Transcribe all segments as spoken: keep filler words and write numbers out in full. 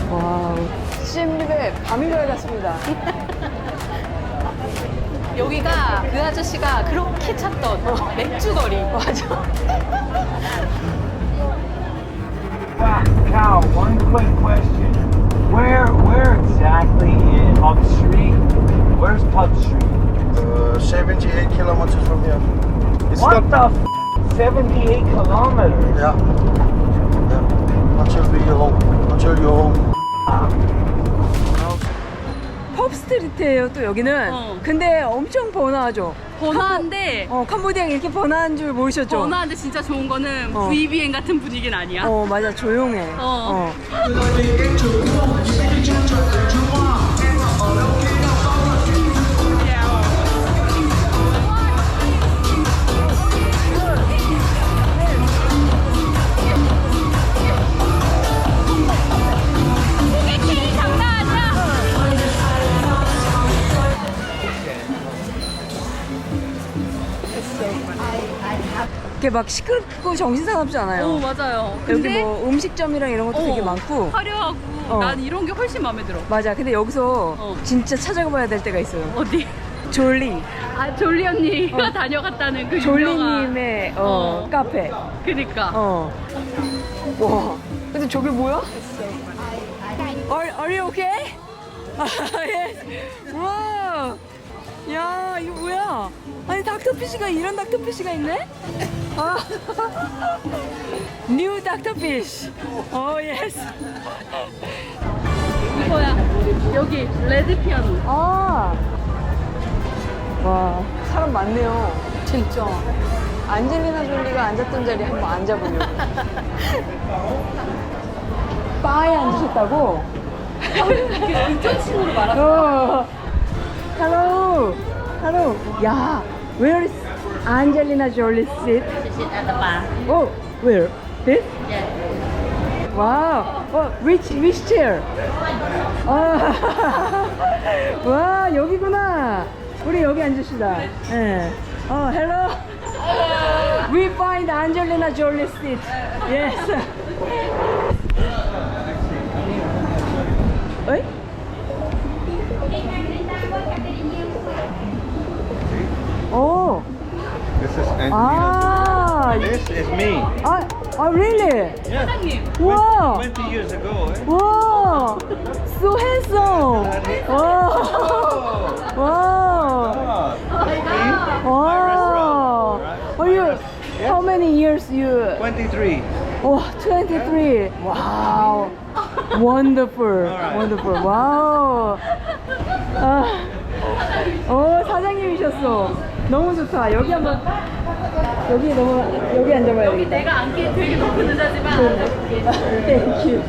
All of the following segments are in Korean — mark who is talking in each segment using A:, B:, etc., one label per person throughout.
A: 와우. 씨엠립에 밤이 밝았습니다.
B: 여기가 그 아저씨가 그렇게 찾던 맥주거리.
A: 맞아.
C: Cal, one quick question. Where where exactly in Pub Street? Where's Pub Street?
D: Uh, seventy-eight kilometers from here. It's
C: What
D: not,
C: the f? seventy-eight kilometers?
D: Yeah. Yeah. Until we home. Until you're home.
A: 펍스트리트예요 또 여기는.
B: 어.
A: 근데 엄청 번화하죠.
B: 번화한데
A: 어 캄보디아가 이렇게 번화한 줄 모르셨죠?
B: 번화한데 진짜 좋은 거는
A: 어.
B: 브이비엔 같은 분위기는 아니야.
A: 어 맞아 조용해.
B: 어.
A: 이렇게 막 시끄럽고 정신사납지 않아요.
B: 오 맞아요.
A: 여기
B: 근데
A: 뭐 음식점이랑 이런 것도
B: 어,
A: 되게 많고.
B: 화려하고
A: 어.
B: 난 이런 게 훨씬 마음에 들어.
A: 맞아. 근데 여기서
B: 어.
A: 진짜 찾아가봐야 될 때가 있어요.
B: 어디?
A: 졸리.
B: 아 졸리 언니가
A: 어.
B: 다녀갔다는 그 유명한.
A: 졸리님의 어,
B: 어.
A: 카페.
B: 그니까.
A: 어. 와. 근데 저게 뭐야? Are, are you okay? 아, yes. 와. 야, 이거 뭐야? 아니, 닥터피쉬가 이런 닥터피쉬가 있네? 아. 뉴 닥터피쉬. 어, 예스.
B: 이거야. 여기 레드 피아노.
A: 아. 와, 사람 많네요.
B: 진짜.
A: 안젤리나 졸리가 앉았던 자리에 한번 앉아보려고. 바에 앉으셨다고?
B: 이쪽 친구로 말하자.
A: 어. Hello. Hello. 야, where is Angelina Jolie sit?
E: She sit at the bar.
A: Oh, where? This?
E: Yeah.
A: Wow. Oh, which which chair? 아, 와, 여기구나. 우리 여기 앉읍시다. 예. 어, hello. We find Angelina Jolie seat. Yes. 어이? 오.
D: This is Angelina.
A: 아.
D: This is me.
A: 아, 아, really?
B: 사장님.
A: 와.
D: twenty years ago, eh?
A: 와. So handsome. 와. 와. Wow. Are you? How many years you?
D: twenty-three.
A: Oh, twenty-three. Wow. Wonderful. Wonderful. Wow. 아, 어 사장님이셨어. 너무 좋다. 여기 한번 여기 너무 여기 앉아봐요.
B: 여기 내가 앉기에 되게 높은 의자지만
A: Thank you.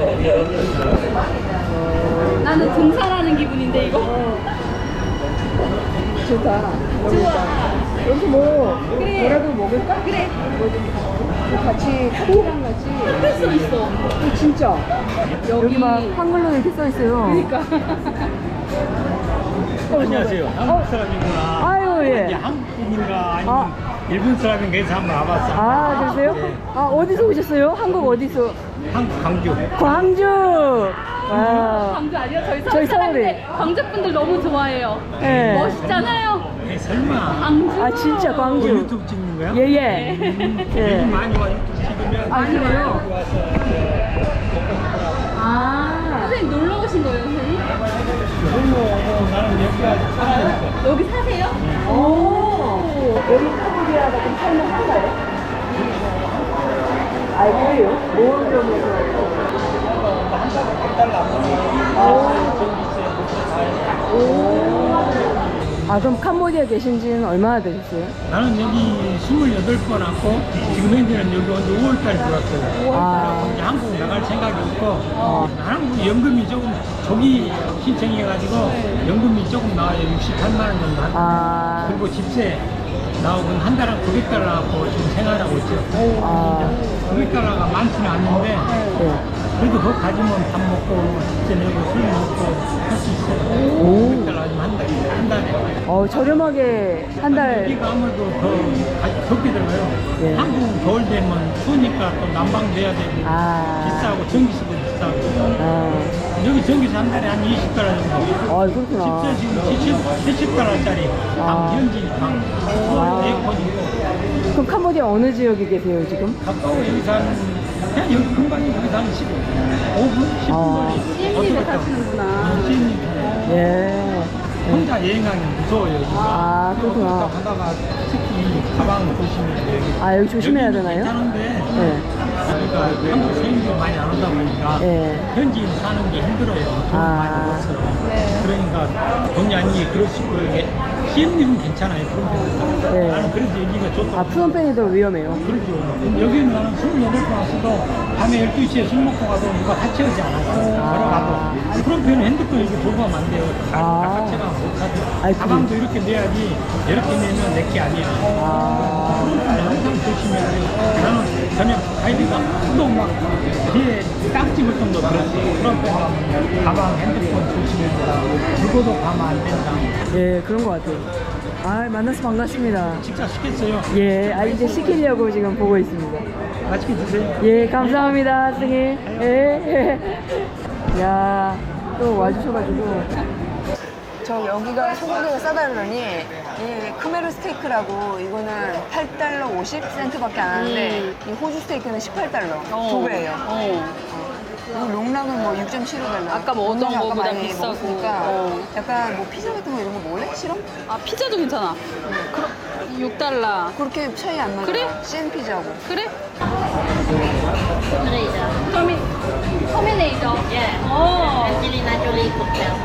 B: 나는 등산하는 기분인데 이거.
A: 좋다.
B: 좋아.
A: 여기 뭐
B: 그래.
A: 뭐라도 먹을까?
B: 그래.
A: 뭐 같이 커피랑 같이.
B: 할 수 있어.
A: 어, 진짜. 여기 막 한글로 이렇게 써 있어요.
B: 그러니까.
F: 안녕하세요. 한국 사람이구나.
A: 아유 예.
F: 이제 한국인인가 아니면
A: 아.
F: 일본 사람인가 해서 한번 와봤어.
A: 아 그러세요?
F: 네.
A: 아 어디서 오셨어요? 한국 어디서?
F: 한국 광주.
A: 광주. 와.
B: 광주 아니요? 저희 서울
A: 저희
B: 사람인데
A: 서울에.
B: 광주 분들 너무 좋아해요.
A: 네.
B: 멋있잖아요.
F: 네, 설마.
B: 광주.
A: 아 진짜
F: 뭐
A: 광주.
F: 유튜브 찍는 거야?
A: 예예.
F: 요즘
A: 예.
F: 많이 와 유튜브 찍으면.
A: 아 그래요?
F: 여기 와서
A: 아.
B: 선생님 놀러 오신 거예요, 선생님?
F: 그런 거 뭐, 나는 여기 와서 살아니까.
B: 여기 사세요?
A: 오. 여기 캄보디아가 좀 살만한가요? 아 그래요? 뭐 점에서? 아 그럼 캄보디아 계신 지는 얼마나 되셨어요?
F: 나는 여기 스물여덟 번 왔고 지금 현재는 여기 언제 오월달 들어왔어요.
A: 아.
F: 이제 한국 나갈 생각이 없고 나는 뭐 연금이 조금 저기 신청해가지고 연금이 조금 나와요. 육십팔만 원 정도 한다.
A: 아.
F: 그리고 집세 나오고 한 달에 구백 달러 갖고 지금 생활하고 있죠.
A: 아.
F: 구백 달러가 많지는 않는데
A: 네.
F: 그래도 그거 가지면 밥 먹고 집세 내고 술 먹고 할 수 있어요. 구백 달러 가지면 한 달에. 한 달에.
A: 어 저렴하게 한 달.
F: 여기가 아무래도 더 가- 덥게 들어가요.
A: 네.
F: 한국 겨울 되면 추우니까 또 난방 돼야 되고
A: 아.
F: 비싸고 전기세도 비싸고
A: 아.
F: 여기 전기세 한 달에 한 이십 달러 정도.
A: 아, 그렇구나.
F: 집세 지금 칠십 달러짜리
A: 아.
F: 방 현지 방
A: 아.
F: 에어컨이고
A: 그럼 캄보디아 어느 지역에 계세요, 지금?
F: 가까워 여기서 한 그냥 여기 금방이 여기서 한 십오 분? 십 분
A: 아.
F: 거리.
B: 시엠리를 타시는구나.
F: 시엠리
A: 예.
F: 혼자 여행하기 무서워요. 여기가.
A: 아, 그렇구나.
F: 하다가 특히 가방 조심해야 돼요.
A: 아, 여기 조심해야
F: 여기는
A: 되나요?
F: 괜찮은데
A: 네.
F: 여기가 한국 세인들이 많이 안 오다 보니까
A: 네.
F: 현지인 사는 게 힘들어요. 돈
A: 아.
F: 많이 벌어서. 그러니까 본의 아니게 그럴 수 있고 이게 시엠리는 괜찮아요. 그런 데는.
A: 네.
F: 나는 그래서 여기가 좋다.
A: 아, 푸놈펜이 더 위험해요.
F: 그렇죠. 여기는 나는 스물여덟 번 왔어도 밤에 열두 시에 술 먹고 가도 누가 다치지 않아요.
A: 아.
F: 걸어가도. 그런 편은 핸드폰 이렇게 돌고 하면 안 돼요.
A: 아.
F: 다치가 못 하죠.
A: 아이,
F: 가방도 이렇게 내야지 이렇게 내면 내게 아니에요.
A: 아.
F: 그런 편 항상 조심해야 돼요. 나는 전에 가이드가 수도 막 뒤에 딱 집을 정도 들었어요. 그런 편 가방 핸드폰 조심해야 된다고. 죽어도 가면 안 된다.
A: 예, 그런 것 같아요. 아, 만나서 반갑습니다.
F: 식사 시켰어요.
A: 예, 아, 이제 시키려고 지금 보고 있습니다.
F: 맛있게 드세요.
A: 예, 감사합니다, 선생님. 예. 야, 또 와주셔가지고. 저 여기가 소고기가 싸다르더니 이 크메르 스테이크라고 이거는 팔 달러 오십 센트밖에 안 하는데 이 호주 스테이크는 십팔 달러 두 배예요.
B: 어.
A: 그리고 롱락은 뭐 육 점 칠오 달러.
B: 아까 먹었던
A: 롱락 아까
B: 거보다
A: 많이
B: 비싸고.
A: 먹었으니까
B: 어.
A: 약간 뭐 피자 같은 거 이런 거 먹을래? 싫어?
B: 아, 피자도 괜찮아. 그럼 육 달러.
A: 그렇게 차이 안 나잖아.
B: 그래?
A: 씬 피자고.
B: 그래? 터미, 터미네이터. 예. 어.
E: Angelina Jolie cocktail.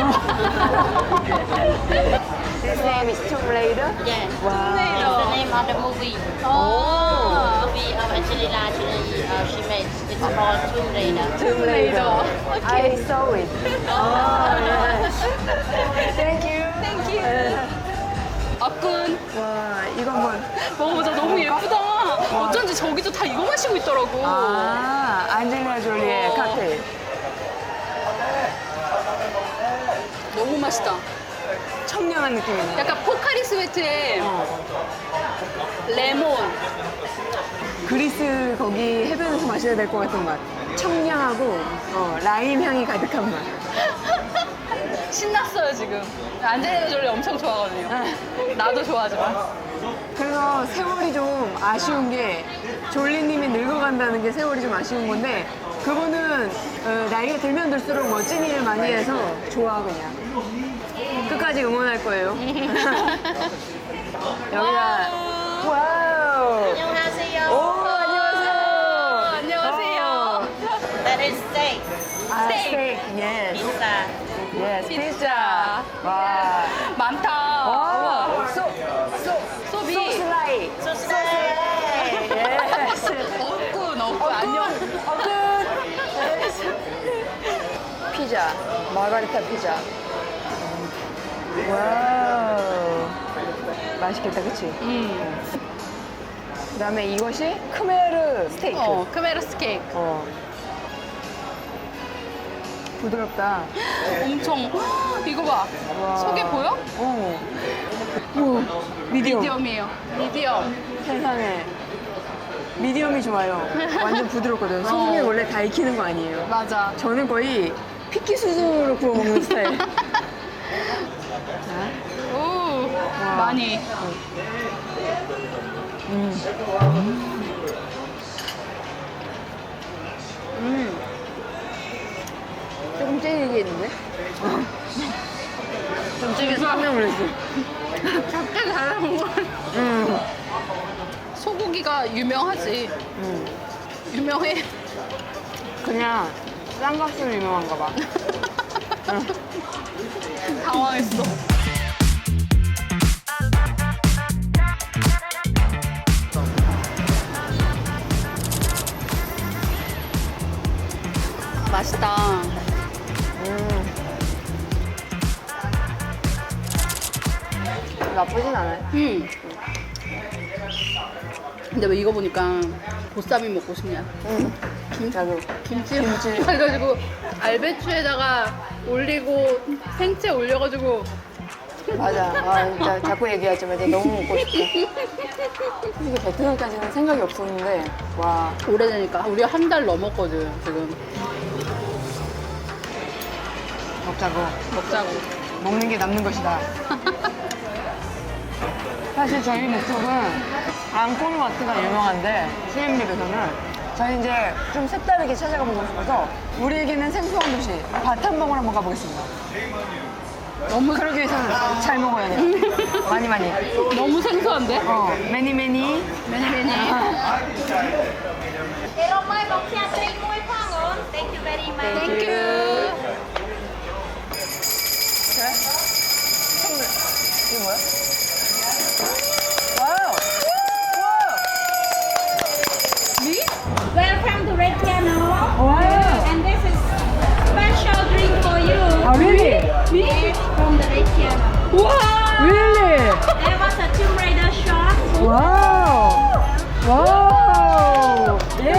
A: His name is Tomb Raider.
E: Yeah.
A: Wow.
E: It's the name of the movie.
B: 어.
E: Movie of Angelina Jolie. Uh, she made. It's called Tomb Raider.
A: Tomb Raider. I saw it. Oh, yes. Thank you.
B: Thank you. 아꾼.
A: 와, 이거 한번.
B: 먹어보자. 너무 예쁘다. 어쩐지 저기도 다 이거 마시고 있더라고.
A: 아, 안젤리나 졸리의
B: 어.
A: 칵테일.
B: 너무 맛있다.
A: 청량한 느낌이네.
B: 약간 포카리 스웨트에
A: 어.
B: 레몬.
A: 그리스 거기 해변에서 마셔야 될 것 같은 맛. 청량하고 어, 라임 향이 가득한 맛.
B: 신났어요 지금. 안젤리나 졸리 엄청 좋아하거든요. 나도 좋아하지만.
A: 그래서 세월이 좀 아쉬운 게 졸리님이 늙어간다는 게 세월이 좀 아쉬운 건데 그분은 어, 나이가 들면 들수록 멋진 일을 많이 해서 좋아 그냥. 끝까지 응원할 거예요. 여기가 와우.
E: 안녕하세요.
A: 오 안녕하세요.
B: 안녕하세요.
E: That is steak.
A: 아,
B: 스테이크.
A: 스테이크. 예스.
E: Pizza.
A: 예스.
B: 피자.
A: 피자. 와.
B: 많다.
A: 와.
B: 우와.
A: 소, 소,
B: 소비.
A: 소스라이.
E: Soslay.
A: 예스.
B: 어꾼, 어꾼. 안녕.
A: 어good. 피자. 마가리타 피자. 와우. 맛있겠다, 그치?
B: 음.
A: 그 다음에 이것이 크메르 스테이크.
B: 어, 크메르 스테이크.
A: 어. 부드럽다.
B: 엄청. 이거 봐.
A: 와.
B: 속에 보여?
A: 어. 오, 미디엄.
B: 미디엄이에요. 미디엄.
A: 세상에. 미디엄이 좋아요. 완전 부드럽거든. 소금이
B: 어.
A: 원래 다 익히는 거 아니에요.
B: 맞아.
A: 저는 거의 피키 수준으로 구워 먹는 스타일. 자,
B: 오, 많이.
A: 음. 음. 조금 찔리게 있는데? 좀 찔려서 깜짝 놀랐어.
B: 작게 잘라먹은 걸.
A: 음.
B: 소고기가 유명하지.
A: 음.
B: 유명해.
A: 그냥 쌍값으로 유명한가 봐.
B: 당황했어. 맛있다.
A: 음. 나쁘진 않아요.
B: 음. 근데 왜 이거 보니까 보쌈이 먹고 싶냐?
A: 음.
B: 김,
A: 나도.
B: 김치
A: 김치.
B: 해가지고 알배추에다가 올리고 생채 올려가지고
A: 맞아. 아, 진짜 자꾸 얘기하지만 이제 너무 먹고 싶다. 이게 베트남까지는 생각이 없었는데, 와.
B: 오래되니까 우리가 한 달 넘었거든 지금.
A: 먹자고.
B: 먹자고.
A: 먹는 게 남는 것이다. 사실 저희 목적은 앙코르와트가 유명한데 시엠립에서는 저희 이제 좀 색다르게 찾아가 보고 싶어서 우리에게는 생소한 도시 바탕봉을 한번 가보겠습니다. 너무 그러기 위해서는 잘 먹어야 돼요. 많이 많이.
B: 너무 생소한데?
A: 어, 매니 매니.
B: 매니 매니.
E: Hello, my box here, three more pounds. Thank you very much.
B: 땡큐.
A: 이게 뭐야? 와우!
B: 미?
G: Welcome to Red Piano.
A: 와우!
G: And this is special drink for you.
A: 아, really?
G: It's from the Red Piano.
B: 와.
A: Really?
G: There was a Tomb Raider shot.
A: 와우! 와우! 예!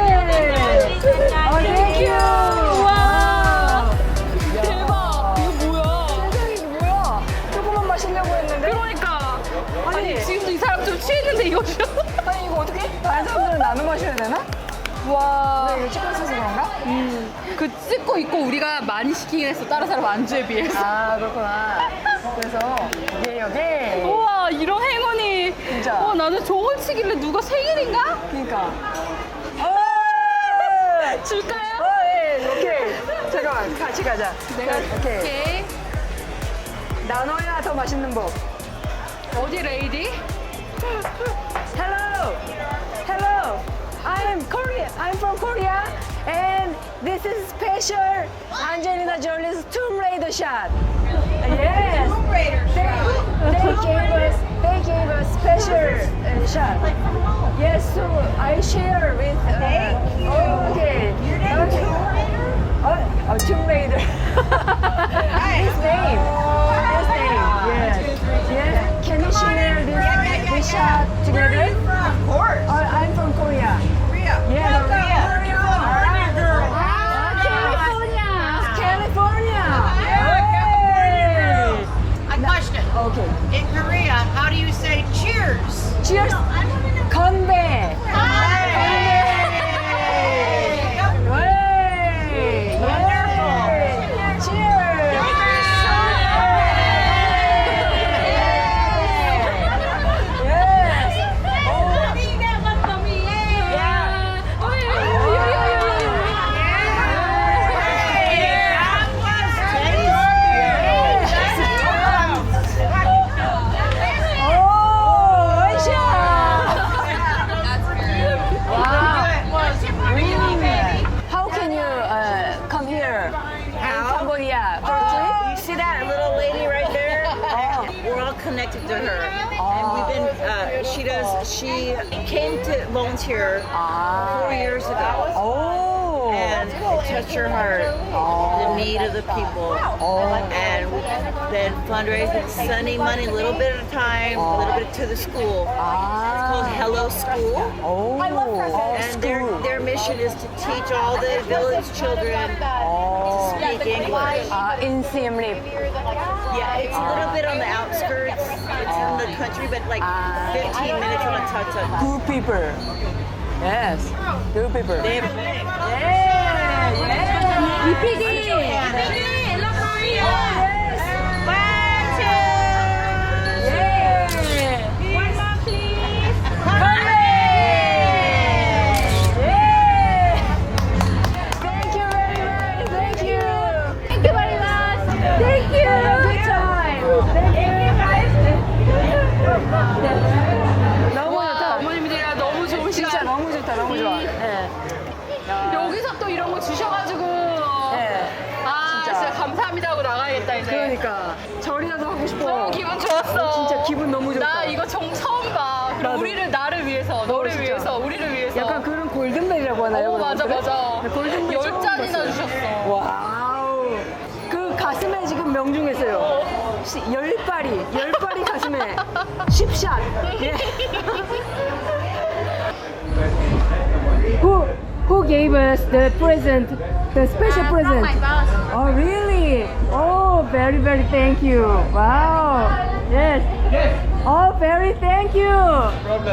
A: 아, 땡큐!
B: 와. 대박. 이거 뭐야?
A: 세상에 이게 뭐야? 조금만 마시려고 했는데?
B: 그러니까. 아니,
A: 아니,
B: 지금도 이 사람 좀 취했는데 이거 좀.
A: 아니 이거 어떻게? 다른 사람들은 나눠 마셔야 되나?
B: 와.
A: 왜 이거 찍고 있어서 그런가?
B: 그 찍고 있고 우리가 많이 시키긴 했어. 다른 사람 안주에 비해서.
A: 아 그렇구나. 그래서 이게 여기
B: 우와, 이런 행운이.
A: 진짜.
B: 와, 나는 저걸 치길래 누가 생일인가?
A: 그러니까. 어!
B: 줄까요?
A: 어, 예, 오케이. 잠깐만, 같이 가자.
B: 내가
A: 오케이.
B: 오케이.
A: 나눠야 더 맛있는 법.
B: 어디 레이디?
A: Hello, hello. I'm Korea. I'm from Korea, and this is special Angelina Jolie's Tomb Raider shot. Yes. Tomb Raider shot. They gave us, they gave us special uh, shot. Yes, so I share with. Uh, oh, okay. Okay. Oh, oh, Tomb Raider. His name. His name. Yes. Yes. Can you share this, this shot together? Of course. Oh, I'm from Korea. Korea. Yeah, Korea. Korea girl. California. California. Hey.
H: A question.
A: Okay.
H: In Korea, how do you say cheers?
A: Cheers. 건배. How can you uh, come here in Cambodia for a trip?
H: You see that little lady right there? We're all connected to her. And we've been, uh, she does, she came to volunteer four years ago.
A: Oh.
H: And it touched her heart, the need of the people. And we've been fundraising, sending money a little bit at a time, a little bit to the school. It's called Hello School.
A: Oh.
H: And their, their mission is to teach all the village children to speak English.
A: Uh, in Siem Reap.
H: Yeah, it's a little bit on the outskirts. It's in the country, but like fifteen minutes on a tuk-tuk.
A: Good people. Yes. Good people.
H: They have
A: Yeah. Yeah.
B: 이피디.
A: 너무
B: 와,
A: 좋다.
B: 어머님들이랑 너무 좋은
A: 진짜
B: 시간.
A: 너무 좋다. 너무 좋아. 네.
B: 여기서 또 이런 거 주셔가지고.
A: 네.
B: 아,
A: 진짜.
B: 진짜, 감사합니다 하고 나가야겠다, 이제.
A: 그러니까 절이라도 하고 싶어.
B: 너무 기분 좋았어.
A: 진짜 기분 너무 좋다.
B: 나 이거 정 처음 봐. 그리고
A: 나도.
B: 우리를 나를 위해서, 너를
A: 진짜.
B: 위해서, 우리를 위해서.
A: 약간 그런 골든벨이라고 하나요?
B: 어, 맞아,
A: 그런
B: 맞아.
A: 것들을? 네, 골든벨
B: 열
A: 처음
B: 잔이나
A: 봤어요.
B: 주셨어.
A: 와우. 그 가슴에 지금 명중했어요. 시- 열 발이, 열 발이 가슴에 십샷. 예. who who gave us the present, the special present?
G: My boss.
A: Oh really? Oh, very very thank you. Wow. Yes. Oh, very thank you.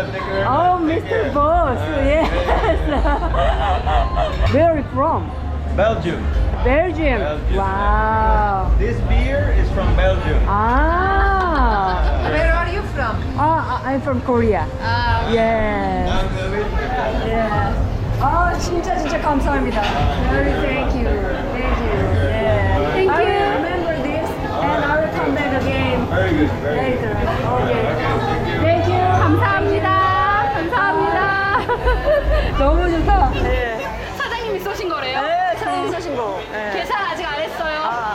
A: Oh, Mister Boss. Yes. Where are you from?
C: Belgium.
A: 벨지엄.
C: Belgium.
A: 와우.
C: This beer is from Belgium.
A: 아.
B: Where are you from?
A: 아, I'm from Korea.
B: 아,
A: Yes. Yes. 아, 진짜 진짜 감사합니다. Very thank you. Thank you. Yeah.
B: Thank
A: I
B: you.
A: will remember this and I will come back again
C: Very good. Very good.
A: later. Okay.
C: Thank you.
A: Thank you.
B: 감사합니다. 감사합니다.
A: 너무 좋다. 네.
B: 사장님이 쏘신 거래요?
A: 네, 사진 쓰신 거. 네.
B: 계산 아직 안 했어요.
A: 아.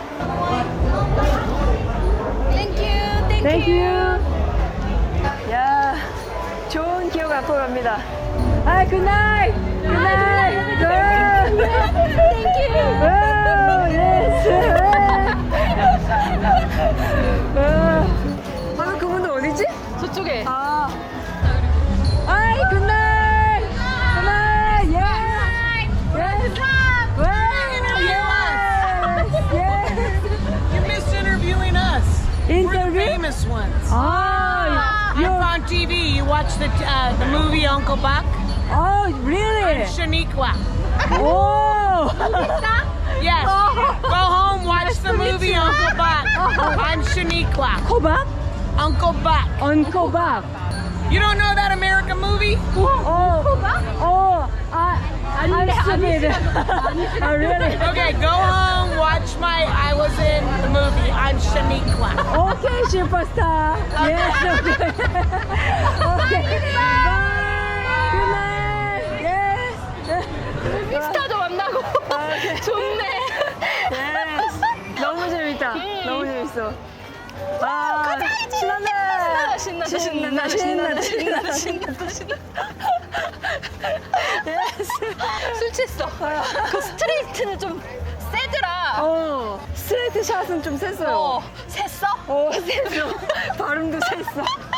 B: Thank you. Thank,
A: Thank
B: you.
A: you. 야, 좋은 기억 앞으로 갑니다. 아, good night. Good night. Good.
B: Thank you.
A: Oh, yes. 아, 방금 그분들 어디지?
B: 저쪽에.
A: 아. 아이, good night. Good night. Yes. Yes. Well, yes. Yes.
I: You missed interviewing us. We're the
A: Interview?
I: famous ones.
A: 아,
I: I'm
A: you're,
I: on T V. You watch the uh, the movie Uncle Buck?
A: oh, really?
I: Shaniqua.
A: Oh.
I: Yes. Go home, watch the movie Uncle Buck. I'm Shaniqua.
A: 코박?
I: Uncle Buck.
A: 언코박.
I: You don't know that American movie?
A: 어, 어, 아, I'm stupid. Oh, really?
I: Okay, go home, watch my. I was in the movie. I'm Shaniqua.
A: Okay, superstar. Yes, okay. Okay. Bye. Good night. Yes.
B: 스타도 만나고.
A: 오케이.
B: 좋네.
A: Yes. 너무 재밌다. 너무 재밌어. 아, 신난다.
B: 신난다.
A: 신난다. 신난다. 신난다.
B: 신난다. 신난다.
A: Yes.
B: 술 취했어. 그 스트레이트는 좀 세더라.
A: 어, 스트레이트 샷은 좀 셌어요.
B: 어, 셌어?
A: 어, 셌어. 발음도 셌어.